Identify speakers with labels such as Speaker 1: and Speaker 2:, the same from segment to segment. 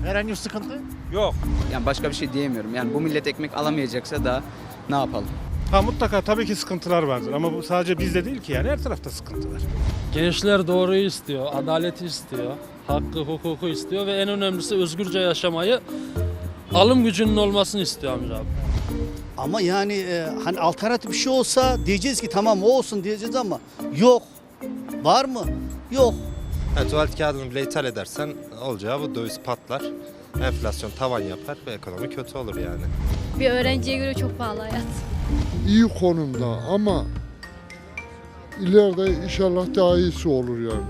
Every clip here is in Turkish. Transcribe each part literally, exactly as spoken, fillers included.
Speaker 1: Herhangi bir sıkıntı?
Speaker 2: Yok.
Speaker 3: Yani başka bir şey diyemiyorum. Yani bu millet ekmek alamayacaksa da ne yapalım?
Speaker 4: Ha mutlaka tabii ki sıkıntılar vardır ama bu sadece bizde değil ki, yani her tarafta sıkıntı var.
Speaker 5: Gençler doğruyu istiyor, adaleti istiyor, hakkı, hukuku istiyor ve en önemlisi özgürce yaşamayı, alım gücünün olmasını istiyor amca abi.
Speaker 6: Ama yani e, hani alternatif bir şey olsa diyeceğiz ki tamam o olsun diyeceğiz ama yok. Var mı? Yok.
Speaker 7: Yani tuvalet kağıdını bile ithal edersen olacağı bu, döviz patlar, enflasyon tavan yapar ve ekonomi kötü olur yani.
Speaker 8: Bir öğrenciye göre çok pahalı hayat.
Speaker 9: İyi konumda ama ileride inşallah daha iyisi olur yani.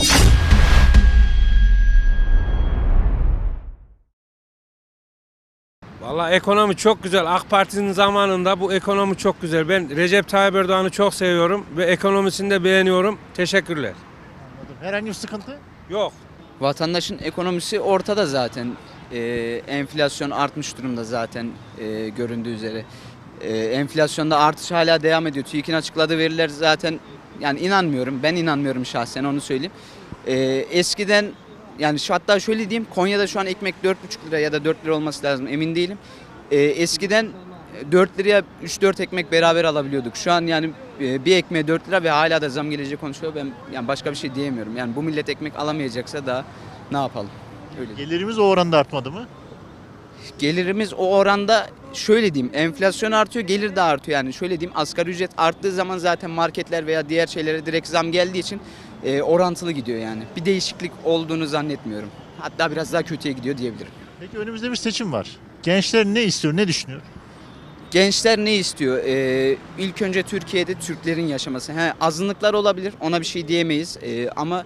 Speaker 2: Vallahi ekonomi çok güzel. AK Parti'nin zamanında bu ekonomi çok güzel. Ben Recep Tayyip Erdoğan'ı çok seviyorum ve ekonomisini de beğeniyorum. Teşekkürler.
Speaker 1: Anladım. Herhangi bir sıkıntı?
Speaker 2: Yok.
Speaker 3: Vatandaşın ekonomisi ortada zaten. Ee, enflasyon artmış durumda zaten e, göründüğü üzere. Ee, enflasyonda artış hala devam ediyor. TÜİK'in açıkladığı veriler zaten, yani inanmıyorum. Ben inanmıyorum şahsen, onu söyleyeyim. Ee, eskiden yani şu, hatta şöyle diyeyim, Konya'da şu an ekmek dört buçuk lira ya da dört lira olması lazım, emin değilim. Ee, eskiden dört liraya üç dört ekmek beraber alabiliyorduk. Şu an yani e, bir ekmeğe dört lira ve hala da zam geleceği konuşuyor. Ben yani başka bir şey diyemiyorum. Yani bu millet ekmek alamayacaksa da ne yapalım? Öyle.
Speaker 1: Gelirimiz o oranda artmadı mı?
Speaker 3: Gelirimiz o oranda, şöyle diyeyim, enflasyon artıyor, gelir de artıyor. Yani şöyle diyeyim, asgari ücret arttığı zaman zaten marketler veya diğer şeylere direkt zam geldiği için e, orantılı gidiyor yani. Bir değişiklik olduğunu zannetmiyorum. Hatta biraz daha kötüye gidiyor diyebilirim.
Speaker 1: Peki önümüzde bir seçim var. Gençler ne istiyor, ne düşünüyor?
Speaker 3: Gençler ne istiyor? Ee, ilk önce Türkiye'de Türklerin yaşaması. He, azınlıklar olabilir, ona bir şey diyemeyiz. Ee, ama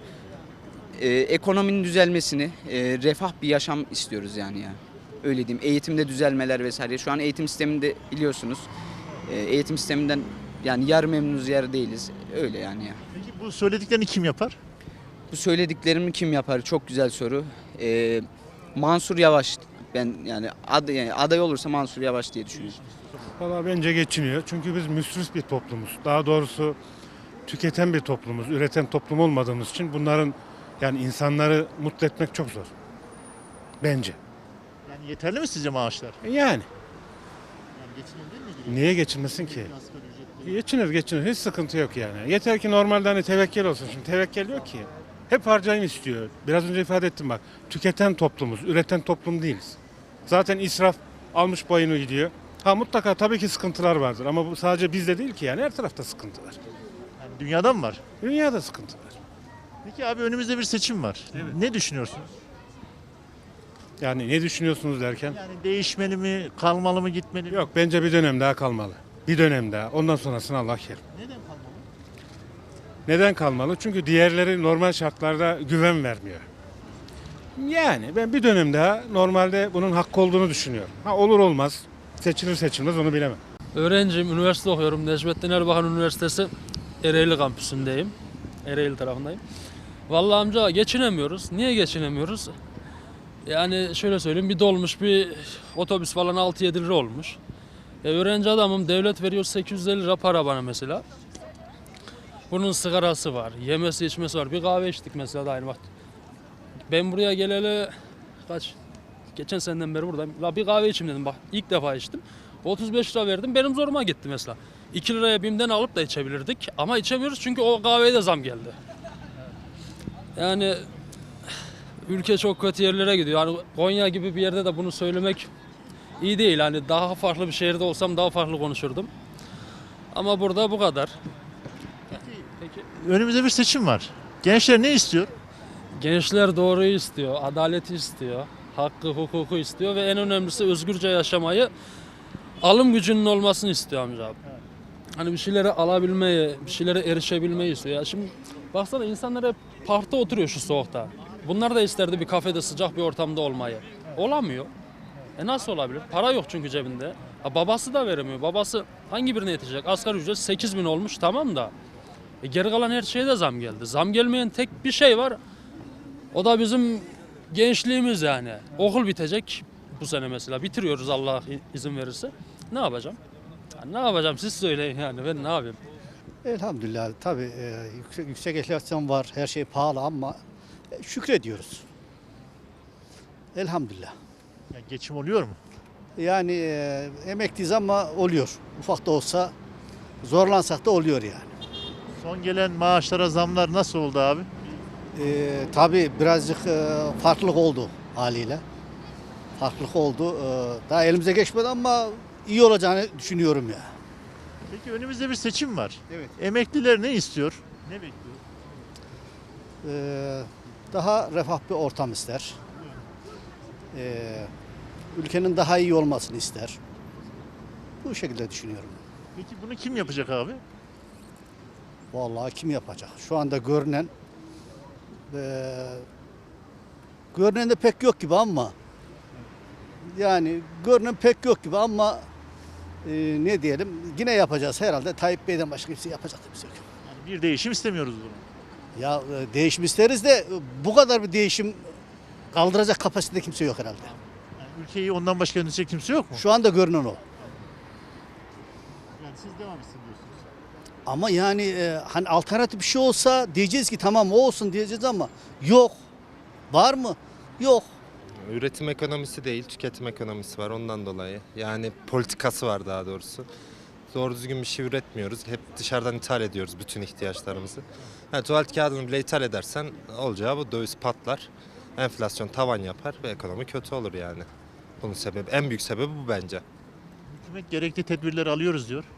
Speaker 3: e, ekonominin düzelmesini, e, refah bir yaşam istiyoruz yani ya. Öyle diyeyim. Eğitimde düzelmeler vesaire. Şu an eğitim sisteminde biliyorsunuz. E, eğitim sisteminden yani yarı memnunuz, yarı değiliz. Öyle yani ya.
Speaker 1: Peki bu söylediklerini kim yapar?
Speaker 3: Bu söylediklerimi kim yapar? Çok güzel soru. Ee, Mansur Yavaş. Ben yani, aday, yani aday olursa Mansur Yavaş diye düşünüyorum.
Speaker 4: Valla bence geçiniyor çünkü biz müsrif bir toplumuz. Daha doğrusu tüketen bir toplumuz, üreten toplum olmadığımız için bunların, yani insanları mutlu etmek çok zor. Bence.
Speaker 1: Yani yeterli mi sizce maaşlar?
Speaker 4: E Yani
Speaker 1: Yani geçiniyor değil mi?
Speaker 4: niye geçinmesin ki?
Speaker 1: Asgari ücretli.
Speaker 4: Geçinir geçinir, hiç sıkıntı yok yani. Yeter ki normalde hani tevekkül olsun. Şimdi tevekkül yok ki. Hep harcayım istiyor. Biraz önce ifade ettim bak. Tüketen toplumuz, üreten toplum değiliz. Zaten israf almış boyunu gidiyor. Ha mutlaka tabii ki sıkıntılar vardır ama bu sadece bizde değil ki, yani her tarafta sıkıntı var.
Speaker 1: Yani dünyada mı var?
Speaker 4: Dünyada sıkıntı var.
Speaker 1: Peki abi önümüzde bir seçim var. Ne düşünüyorsunuz?
Speaker 4: Yani ne düşünüyorsunuz derken?
Speaker 1: Yani değişmeli mi, kalmalı mı, gitmeli mi?
Speaker 4: Yok, bence bir dönem daha kalmalı. Bir dönem daha. Ondan sonrasını Allah kerim.
Speaker 1: Neden kalmalı?
Speaker 4: Neden kalmalı? Çünkü diğerleri normal şartlarda güven vermiyor. Yani ben bir dönem daha normalde bunun hakkı olduğunu düşünüyorum. Ha olur olmaz, seçilir seçilmez onu bilemem.
Speaker 5: Öğrenciyim, üniversite okuyorum. Necmettin Erbakan Üniversitesi Ereğli kampüsündeyim. Ereğli tarafındayım. Vallahi amca geçinemiyoruz. Niye geçinemiyoruz? Yani şöyle söyleyeyim, bir dolmuş bir otobüs falan altı yedi lira olmuş. E, öğrenci adamım, devlet veriyor sekiz yüz elli lira para bana mesela. Bunun sigarası var, yemesi içmesi var. Bir kahve içtik mesela da aynı vakit. Ben buraya geleli kaç? Geçen seneden beri buradayım. La bir kahve içeyim dedim, bak ilk defa içtim. otuz beş lira verdim, benim zoruma gitti mesela. iki liraya BİM'den alıp da içebilirdik ama içemiyoruz çünkü o kahveye de zam geldi. Yani ülke çok kötü yerlere gidiyor. Yani Konya gibi bir yerde de bunu söylemek iyi değil. Hani daha farklı bir şehirde olsam daha farklı konuşurdum. Ama burada bu kadar. Peki.
Speaker 1: Önümüzde bir seçim var. Gençler ne istiyor?
Speaker 5: Gençler doğruyu istiyor, adaleti istiyor, hakkı, hukuku istiyor ve en önemlisi özgürce yaşamayı, alım gücünün olmasını istiyor amca abi. Hani bir şeyleri alabilmeyi, bir şeylere erişebilmeyi istiyor. Ya şimdi baksana, insanlar hep parkta oturuyor şu soğukta. Bunlar da isterdi bir kafede, sıcak bir ortamda olmayı. Olamıyor. E nasıl olabilir? Para yok çünkü cebinde. Ha, babası da veremiyor. Babası hangi birine yetecek? Asgari ücret sekiz bin olmuş, tamam da. E geri kalan her şeye de zam geldi. Zam gelmeyen tek bir şey var. O da bizim gençliğimiz yani. Okul bitecek bu sene mesela. Bitiriyoruz Allah izin verirse. Ne yapacağım? Ya ne yapacağım siz söyleyin yani, ben ne yapayım?
Speaker 6: Elhamdülillah tabii e, yüksek, yüksek enflasyon var, her şey pahalı ama e, şükrediyoruz. Elhamdülillah.
Speaker 1: Yani geçim oluyor mu?
Speaker 6: Yani e, emekliyiz ama oluyor. Ufak da olsa zorlansak da oluyor yani.
Speaker 1: Son gelen maaşlara zamlar nasıl oldu abi?
Speaker 6: E, tabii birazcık e, farklılık oldu haliyle. Farklılık oldu. E, daha elimize geçmedi ama iyi olacağını düşünüyorum ya.
Speaker 1: Peki önümüzde bir seçim var.
Speaker 6: Evet.
Speaker 1: Emekliler ne istiyor? Ne bekliyor?
Speaker 6: E, daha refah bir ortam ister. E, ülkenin daha iyi olmasını ister. Bu şekilde düşünüyorum.
Speaker 1: Peki bunu kim yapacak abi?
Speaker 6: Vallahi kim yapacak? Şu anda görünen e, görünen de pek yok gibi ama yani görünen pek yok gibi ama e, ne diyelim yine yapacağız herhalde. Tayyip Bey'den başka kimse yapacak da kimse yok.
Speaker 1: Yani bir değişim istemiyoruz bunu.
Speaker 6: Ya e, değişim isteriz de e, bu kadar bir değişim kaldıracak kapasitede kimse yok herhalde.
Speaker 1: Yani ülkeyi ondan başka yönetecek kimse yok mu?
Speaker 6: Şu anda görünen o.
Speaker 1: Yani siz devam etsin diyorsunuz.
Speaker 6: Ama yani e, hani alternatif bir şey olsa diyeceğiz ki tamam o olsun diyeceğiz ama yok. Var mı? Yok.
Speaker 7: Üretim ekonomisi değil, tüketim ekonomisi var ondan dolayı. Yani politikası var daha doğrusu. Doğru düzgün bir şey üretmiyoruz. Hep dışarıdan ithal ediyoruz bütün ihtiyaçlarımızı. Yani tuvalet kağıdını bile ithal edersen olacağı bu, döviz patlar. Enflasyon tavan yapar ve ekonomi kötü olur yani. Bunun sebebi, en büyük sebebi bu bence.
Speaker 1: Hükümet gerekli tedbirleri alıyoruz diyor.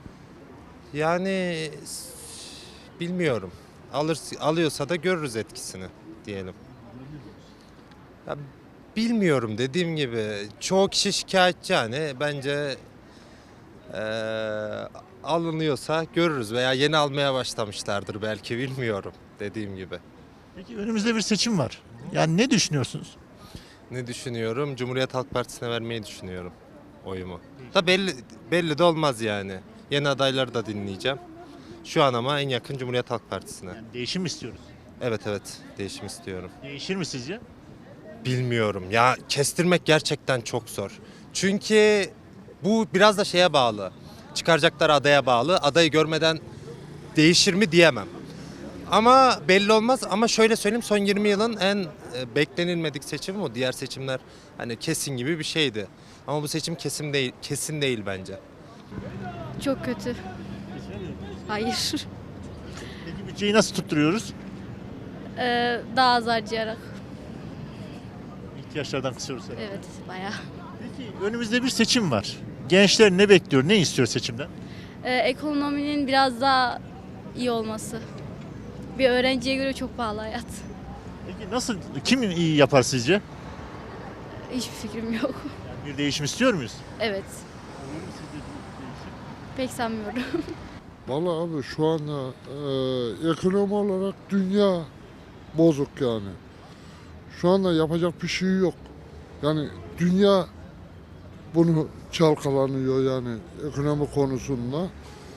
Speaker 7: Yani s- bilmiyorum. Alır, alıyorsa da görürüz etkisini diyelim. Ya, bilmiyorum dediğim gibi çoğu kişi şikayetçi yani bence eee, alınıyorsa görürüz veya yeni almaya başlamışlardır belki bilmiyorum dediğim gibi.
Speaker 1: Peki önümüzde bir seçim var. Yani ne düşünüyorsunuz?
Speaker 7: Ne düşünüyorum? Cumhuriyet Halk Partisi'ne vermeyi düşünüyorum oyumu. Da belli belli de olmaz yani. Yeni adayları da dinleyeceğim. Şu an ama en yakın Cumhuriyet Halk Partisi'ne.
Speaker 1: Yani değişim mi istiyoruz?
Speaker 7: Evet evet değişim istiyorum.
Speaker 1: Değişir mi sizce?
Speaker 7: Bilmiyorum ya kestirmek gerçekten çok zor. Çünkü bu biraz da şeye bağlı. Çıkaracakları adaya bağlı. Adayı görmeden değişir mi diyemem. Ama belli olmaz ama şöyle söyleyeyim son yirmi yılın en e, beklenilmedik seçimi bu. Diğer seçimler hani kesin gibi bir şeydi. Ama bu seçim kesin değil, kesin değil bence.
Speaker 8: Çok kötü. Hayır.
Speaker 1: Peki bütçeyi nasıl tutturuyoruz?
Speaker 8: Ee, daha az harcayarak.
Speaker 1: İhtiyaçlardan kısıyoruz herhalde.
Speaker 8: Evet, bayağı.
Speaker 1: Peki önümüzde bir seçim var. Gençler ne bekliyor, ne istiyor seçimden?
Speaker 8: Ee, ekonominin biraz daha iyi olması. Bir öğrenciye göre çok pahalı hayat.
Speaker 1: Peki nasıl, kim iyi yapar sizce?
Speaker 8: Hiçbir fikrim yok.
Speaker 1: Yani bir değişim istiyor muyuz?
Speaker 8: Evet. Pek sanmıyorum.
Speaker 9: Vallahi abi şu anda e, ekonomi olarak dünya bozuk yani. Şu anda yapacak bir şey yok. Yani dünya bunu çalkalanıyor yani ekonomi konusunda.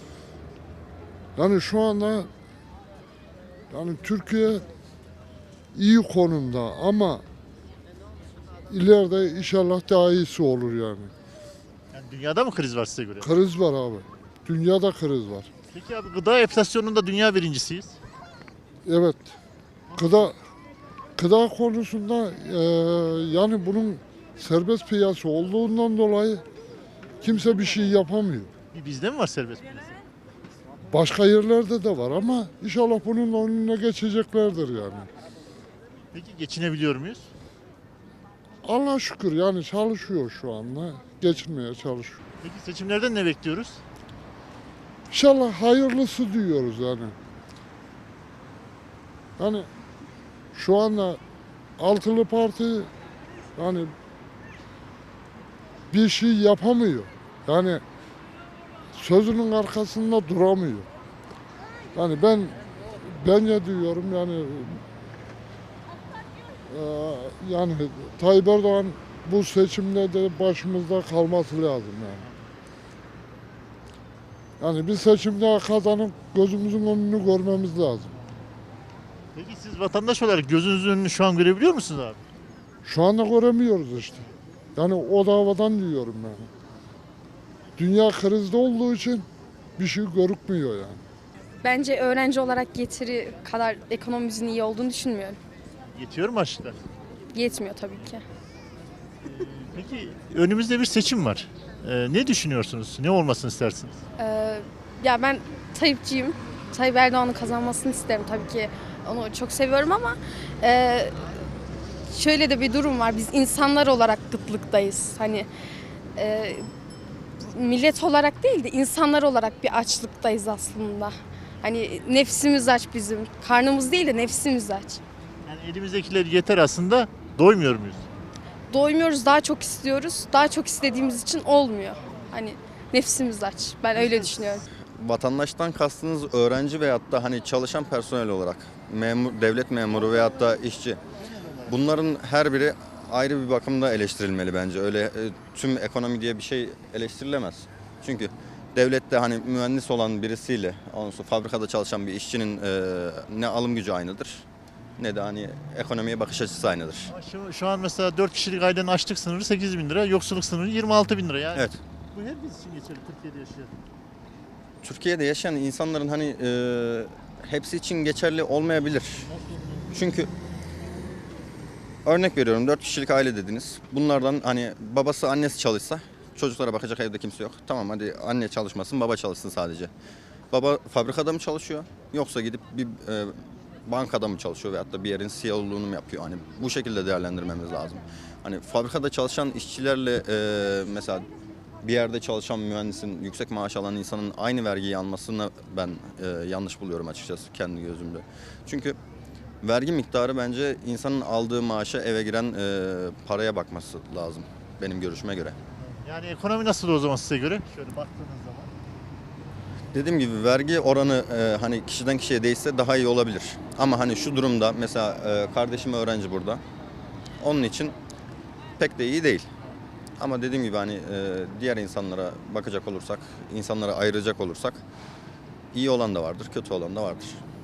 Speaker 9: Yani şu anda yani Türkiye iyi konumda ama ileride inşallah daha iyisi olur yani.
Speaker 1: Yani dünyada mı kriz var size göre?
Speaker 9: Kriz var abi. Dünyada kriz var.
Speaker 1: Peki abi gıda enflasyonunda dünya birincisiyiz.
Speaker 9: Evet. Gıda gıda konusunda e, yani bunun serbest piyasa olduğundan dolayı kimse bir şey yapamıyor.
Speaker 1: Bir bizde mi var serbest piyasa?
Speaker 9: Başka yerlerde de var ama inşallah bunun önüne geçeceklerdir yani.
Speaker 1: Peki geçinebiliyor muyuz?
Speaker 9: Allah şükür yani çalışıyor şu anda. Geçinmeye çalışıyor.
Speaker 1: Peki seçimlerden ne bekliyoruz?
Speaker 9: İnşallah hayırlısı diyoruz yani. Yani şu anda altılı parti yani bir şey yapamıyor. Yani sözünün arkasında duramıyor. Yani ben bence diyorum yani e, yani Tayyip Erdoğan bu seçimde de başımızda kalması lazım yani. Yani bir seçimde kazanıp gözümüzün önünü görmemiz lazım.
Speaker 1: Peki siz vatandaş olarak gözünüzün önünü şu an görebiliyor musunuz abi?
Speaker 9: Şu anda göremiyoruz işte. Yani o davadan diyorum yani. Dünya krizde olduğu için bir şey görükmüyor yani.
Speaker 10: Bence öğrenci olarak getiri kadar ekonomimizin iyi olduğunu düşünmüyorum.
Speaker 1: Yetiyor mu açlıklar?
Speaker 10: Yetmiyor tabii ki.
Speaker 1: Peki önümüzde bir seçim var. Ee, ne düşünüyorsunuz? Ne olmasını istersiniz?
Speaker 10: Ee, ya ben Tayyipçiyim. Tayyip Erdoğan'ın kazanmasını isterim tabii ki. Onu çok seviyorum ama e, şöyle de bir durum var. Biz insanlar olarak kıtlıktayız. Hani e, millet olarak değil de insanlar olarak bir açlıktayız aslında. Hani nefsimiz aç bizim. Karnımız değil de nefsimiz aç.
Speaker 1: Yani elimizdekiler yeter aslında. Doymuyor muyuz?
Speaker 10: Doymuyoruz, daha çok istiyoruz. Daha çok istediğimiz için olmuyor. Hani nefsimiz aç. Ben öyle düşünüyorum.
Speaker 11: Vatandaştan kastınız öğrenci veyahut da hani çalışan personel olarak memur, devlet memuru veyahut da işçi. Bunların her biri ayrı bir bakımda eleştirilmeli bence. Öyle e, tüm ekonomi diye bir şey eleştirilemez. Çünkü devlette hani mühendis olan birisiyle, ondan sonra fabrikada çalışan bir işçinin e, ne alım gücü aynıdır ne de hani ekonomiye bakış açısı aynıdır.
Speaker 1: Ama Şu, şu an mesela dört kişilik ailenin açlık sınırı sekiz bin lira, yoksulluk sınırı yirmi altı bin lira. Yani
Speaker 11: Evet.
Speaker 1: bu herkes için geçerli, Türkiye'de yaşayan.
Speaker 11: Türkiye'de yaşayan insanların hani e, hepsi için geçerli olmayabilir. Çünkü örnek veriyorum, dört kişilik aile dediniz. Bunlardan hani babası annesi çalışsa çocuklara bakacak evde kimse yok. Tamam, hadi anne çalışmasın, baba çalışsın sadece. Baba fabrikada mı çalışıyor yoksa gidip bir e, bankada mı çalışıyor veyahut da bir yerin C E O'luğunu mu yapıyor? Hani bu şekilde değerlendirmemiz lazım. Hani fabrikada çalışan işçilerle e, mesela bir yerde çalışan mühendisin, yüksek maaş alan insanın aynı vergiyi almasını ben e, yanlış buluyorum açıkçası kendi gözümde. Çünkü vergi miktarı bence insanın aldığı maaşa, eve giren e, paraya bakması lazım benim görüşüme göre.
Speaker 1: Yani ekonomi nasıl o zaman size göre? Şöyle baktığınız zaman.
Speaker 11: Dediğim gibi vergi oranı e, hani kişiden kişiye değişse daha iyi olabilir. Ama hani şu durumda mesela e, kardeşim öğrenci burada. Onun için pek de iyi değil. Ama dediğim gibi hani e, diğer insanlara bakacak olursak, insanlara ayıracak olursak iyi olan da vardır, kötü olan da vardır.